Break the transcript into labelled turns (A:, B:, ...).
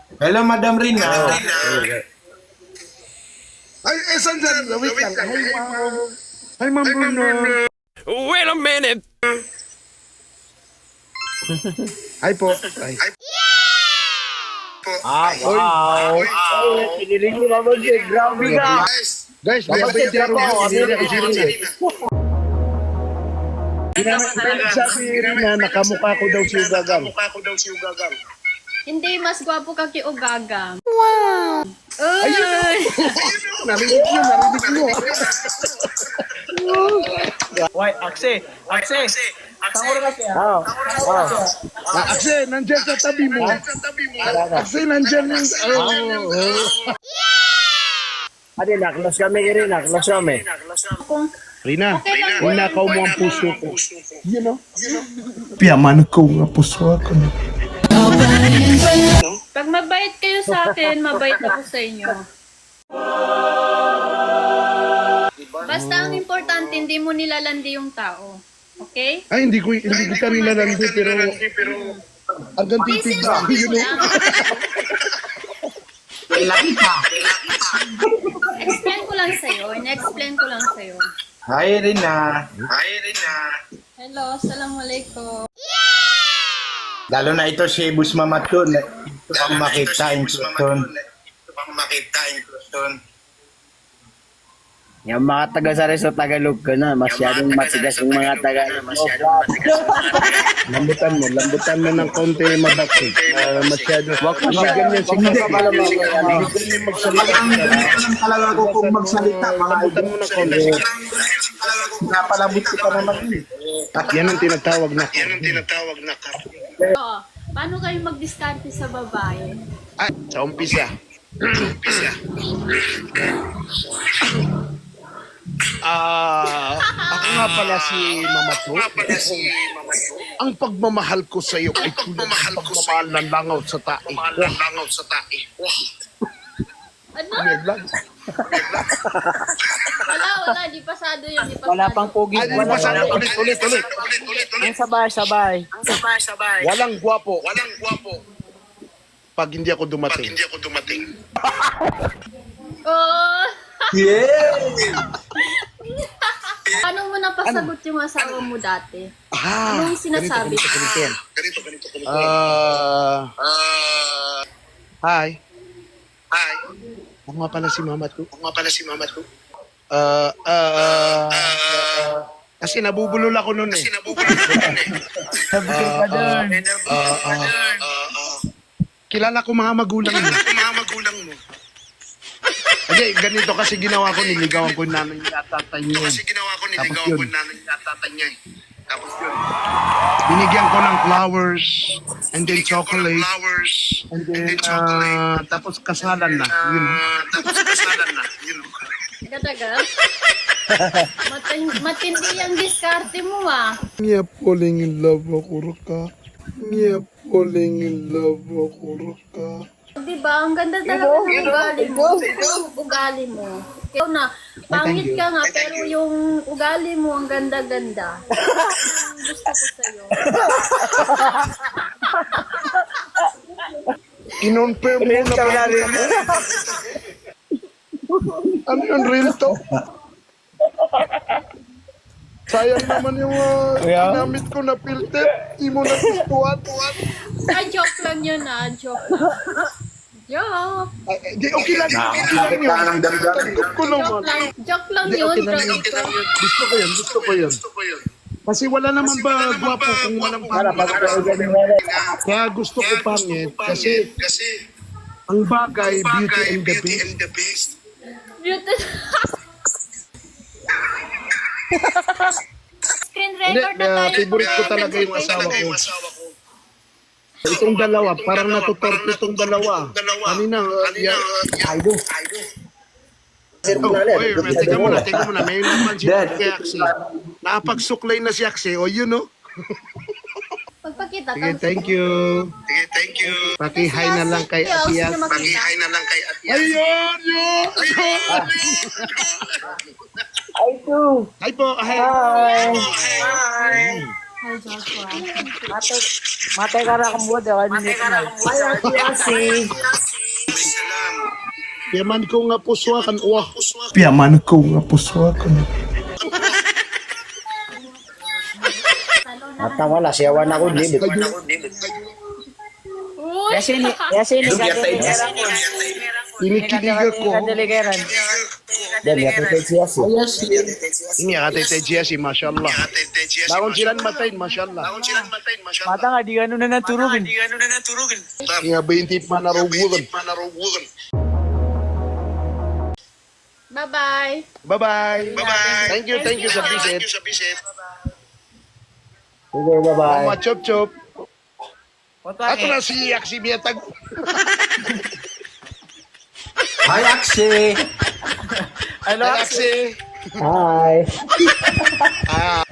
A: Hello, Madam Rina.
B: Ay, sandyan. Wait lang. Hi, ma'am. Hi, ma'am Bruno.
C: Wait a minute.
B: Hi po. Ay.
D: Wow. Piniling mo naman siya. Grabe ka.
B: Guys, dapat yung Sabi rin na nakamukha ko daw si Ugagang.
E: Hindi, mas gwapo ka kay Ugagang.
B: Ayun!
E: Uy!
B: Narinig nyo.
D: Why, Akse. Sanguro kasi. Oo.
B: Akse, nandyan sa tabi mo. Akse, nandyan yung...
D: Ate, naklos kami rin. Naklos kami.
E: Kung
B: Rina,
E: okay lang po
B: ninakaw
E: yung
B: mo ang
E: important.
B: puso ko. You know? Piyaman ko nga puso ako.
E: Pag mabait kayo sa akin, mabait ako sa inyo. Basta ang importante, hindi mo nilalandi yung tao. Okay?
B: Ay, hindi kita nilalandi, pero hanggang titig
E: Isinsin
B: ba?
E: mo
B: You know?
E: lang. Explain ko lang sa'yo. In-explain ko lang sa'yo.
A: Hi, Rina.
E: Hello, assalamualaikum.
A: Lalo na ito si Bus Mamatun. Ito ang makita in Houston.
D: Yung mga taga sa Reso Tagalog ka na. Masyadong matigas yung mga taga.
B: Lambutan mo ng konti mabakit. Masyado.
D: Wag mo siya ganyan. Sige ka pala
A: Alam talaga ako kung magsalita.
B: Lambutan mo ng konti.
A: Napalabot ko pa naman yun.
B: Yan ang tinatawag na.
E: Oo. Paano kayo mag-discarte sa babae?
B: Ay, sa umpisa. Ako nga pala si Mama To. Ang pagmamahal ko sa iyo ay tulad ng pagmamahal ng langaw sa tae.
E: Ano?
B: Yan lang.
E: Wala. Di pasado yun. Di pasado.
D: Wala pang pogi.
B: Ay, pasado. Ulit.
D: Ang sabay.
B: Walang gwapo. Pag hindi ako dumating.
E: Oo.
A: Yeah!
E: Paano mo napasagot yung asawa mo dati? Anong sinasabi?
B: Hi. Ako nga pala si Mama To. Kasi nabubulol ako noon eh. Kilala ko mga magulang mo. Okay, ganito kasi ginawa ko, niligawan ko nanay at tatay niya. Tapos yun, binigyan ko ng flowers, and then chocolate, and then, tapos kasalan na, yun.
E: Tagal. Matindi ang diskarte mo ah.
B: Niya falling in love ako, Raka.
E: Diba? Ang ganda talaga ng ugali mo. Yung ugali mo. Ikaw na, pangit ka nga, pero yung ugali mo, ang ganda-ganda. Ang gusto ko sa'yo.
B: Kinonfirm mo na ba? Ano yung real to? Sayang naman yung ginamit ko na filter. Di mo na gustuhan.
E: Joke lang yun ah. Joke.
B: Di, okay lang.
A: Nakakapit ka ng damdamin.
B: Tanggap ko naman.
E: Joke lang
B: Di,
E: yun.
B: okay lang. Gusto ko yun. Kasi wala naman ba gwapo kung walang pangit. Kaya gusto ko pangit kasi ang bagay, beauty and the beast.
E: Beauty. Screen
B: Hindi,
E: record na tayo.
B: favorite ko talaga yung asawa ko. Itong dalawa, parang natutorpe itong dalawa. Kanina, idol. Teka muna. May naman si Axie. Nakapagsuklay na si Axie. O, yun, no?
E: Pagpakita.
B: Sige, thank you. Paki-hi na lang kay Atias. Ayun, yun!
D: Ay, too.
B: Hi po. Hi.
D: Hi.
E: Hi, Joshua.
D: Mate ka na kung buwan.
B: Yaman ko nga puswakan. Wah.
F: Piaman ko nga puswakan.
D: Matawa na, siyawan ako, libit.
E: Uy!
D: Yasini, kadiligeran ko.
B: Kinikilig ko.
D: Kadiligeran. Dali, apetite siya siya.
B: Ini katay siya si Mashallah. Laon silang matayin, Mashallah.
D: Mata nga, di gano'n na naturugin.
B: Nga 20 pa narugulan.
E: Bye-bye.
B: Bye-bye. Thank you sa visit.
D: Sige, bye-bye.
B: Mga chop-chop. Ato na si Aksi Miatag.
A: Hi, Akshay!
B: Aksi.
D: Hi.
B: Ah.